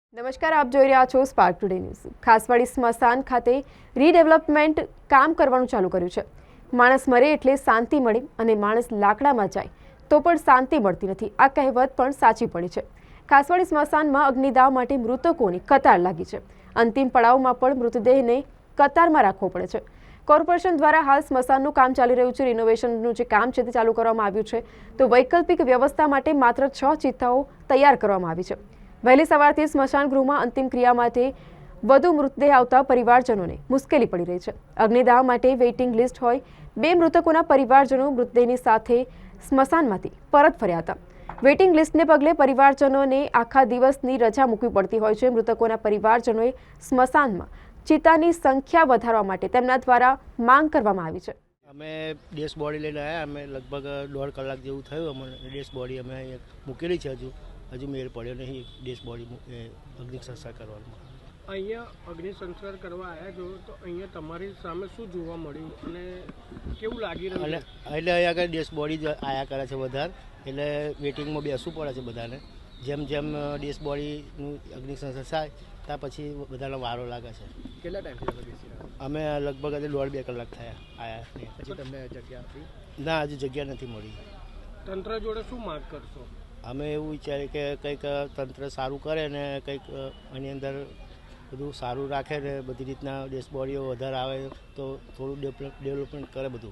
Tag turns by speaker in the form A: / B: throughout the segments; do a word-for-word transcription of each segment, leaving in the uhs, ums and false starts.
A: નમસ્કાર, આપ જોઈ રહ્યા છો સ્પાર્ક ટુડે ન્યૂઝ। ખાસવાડી સ્મશાન ખાતે રીડેવલપમેન્ટ કામ કરવાનું ચાલુ કર્યું છે। માણસ મરે એટલે શાંતિ મળે અને માણસ લાકડામાં જાય તો પણ શાંતિ મળતી નથી, આ કહેવત પણ સાચી પડી છે। ખાસવાડી સ્મશાનમાં અગ્નિદાહ માટે મૃતકોની કતાર લાગી છે। અંતિમ પડાવમાં પણ મૃતદેહને કતારમાં રાખવો પડે છે। કોર્પોરેશન દ્વારા હાલ સ્મશાનનું કામ ચાલી રહ્યું છે। રિનોવેશનનું જે કામ છે તે ચાલુ કરવામાં આવ્યું છે, તો વૈકલ્પિક વ્યવસ્થા માટે માત્ર છ ચિત્તાઓ તૈયાર કરવામાં આવી છે। વહેલી સવારથી સ્મશાન ગૃહમાં અંતિમ ક્રિયા માટે વધુ મૃતદેહ આવતા પરિવારજનોને મુશ્કેલી પડી રહી છે। અગ્નિદાહ માટે વેઇટિંગ લિસ્ટ હોય બે મૃતકોના પરિવારજનો મૃતદેહની સાથે સ્મશાનમાંથી પરત ફર્યા હતા। વેઇટિંગ લિસ્ટને પગલે પરિવારજનોને આખા દિવસની રજા મૂકવી પડતી હોય છે। મૃતકોના પરિવારજનોએ સ્મશાનમાં ચિતાની સંખ્યા વધારવા માટે તેમના દ્વારા માંગ કરવામાં આવી છે।
B: અમે ડેશ બોડી લઈને આવ્યા। અમે લગભગ દોઢ કલાક જેવું થયું। અમે ડેશ બોડી અમે મૂકેલી છે। હજુ હજુ મેળ પડ્યો નહીં ડેશ બોડી અગ્નિ સંસ્કાર કરવાનો।
C: અહીંયા અગ્નિ સંસ્કાર કરવા આવ્યા છો તો અહીંયા તમારી સામે શું જોવા મળ્યું અને કેવું લાગી રહ્યું?
B: એટલે એટલે અહીંયા આગળ ડેશ બોડી જ આયા કરે છે વધારે, એટલે વેટિંગમાં બેસવું પડે છે બધાને। જેમ જેમ ડેશ બોડીનું અગ્નિ સંસ્કાર થાય ત્યાં પછી બધાનો વારો લાગે છે।
C: કેટલા ટાઈમથી તમે બેસી રહ્યા?
B: અમે લગભગ આજે દોઢ બે કલાક થયા આયા।
C: પછી તમને જગ્યા આપી?
B: ના, હજુ જગ્યા નથી મળી।
C: તંત્ર જોડે શું માંગ કરશો?
B: અમે એવું વિચારીએ કે કંઈક તંત્ર સારું કરે ને કંઈક આની અંદર બધું સારું રાખે ને બધી રીતના ડેશબોડીઓ વધારે આવે તો થોડું ડેવલપમેન્ટ કરે બધું।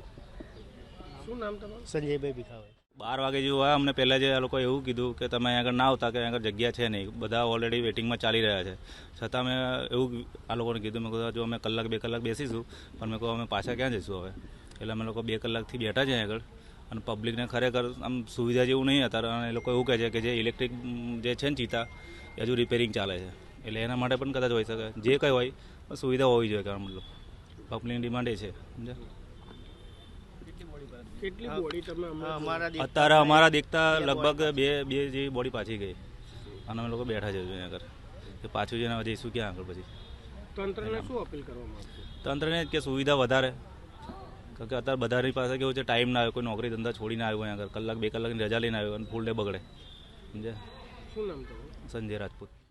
C: શું નામ તમારું?
B: સંજયભાઈ ભીખાભાઈ।
D: બાર વાગે જેવું આવ્યા, અમને પહેલાં જે આ લોકોએ એવું કીધું કે તમે અહીં આગળ ના આવતા, કે અહીં આગળ જગ્યા છે નહીં, બધા ઓલરેડી વેટિંગમાં ચાલી રહ્યા છે। છતાં મેં એવું આ લોકોને કીધું, મેં કીધું જો અમે કલાક બે કલાક બેસીશું, પણ મેં કહું અમે પાછા ક્યાં જઈશું હવે? એટલે અમે લોકો બે કલાકથી બેઠા છે અહીં આગળ, અને પબ્લિકને ખરેખર આમ સુવિધા જેવું નહીં અત્યારે। અને એ લોકો એવું કહે છે કે જે ઇલેક્ટ્રિક જે છે ને ચિતા એ હજુ રિપેરિંગ ચાલે છે, એટલે એના માટે પણ કદાચ હોઈ શકે। જે કંઈ હોય પણ સુવિધા હોવી જોઈએ, કારણ મતલબ પબ્લિકની ડિમાન્ડ એ છે, સમજ્યા?
C: કેટલી બોડી તમે
B: અમારા
D: અત્યારે અમારા દેખતા લગભગ બે બે જેવી બોડી પાછી ગઈ, અને અમે લોકો બેઠા છે અહીંયા આગળ કે પાછું જઈને જઈશું ક્યાં આગળ પછી?
C: તંત્રને શું અપીલ કરવામાં આવશે?
D: તંત્રને જ કે સુવિધા વધારે, કારણ કે અત્યારે બધાની પાસે કેવું છે, ટાઈમ ના આવ્યો, કોઈ નોકરી ધંધા છોડીને આવ્યો અહીંયા આગળ, કલાક બે કલાકની રજા લઈને આવ્યો અને ફૂલ ડે બગડે, સમજ્યા?
C: શું નામ તમારું?
D: સંજય રાજપૂત।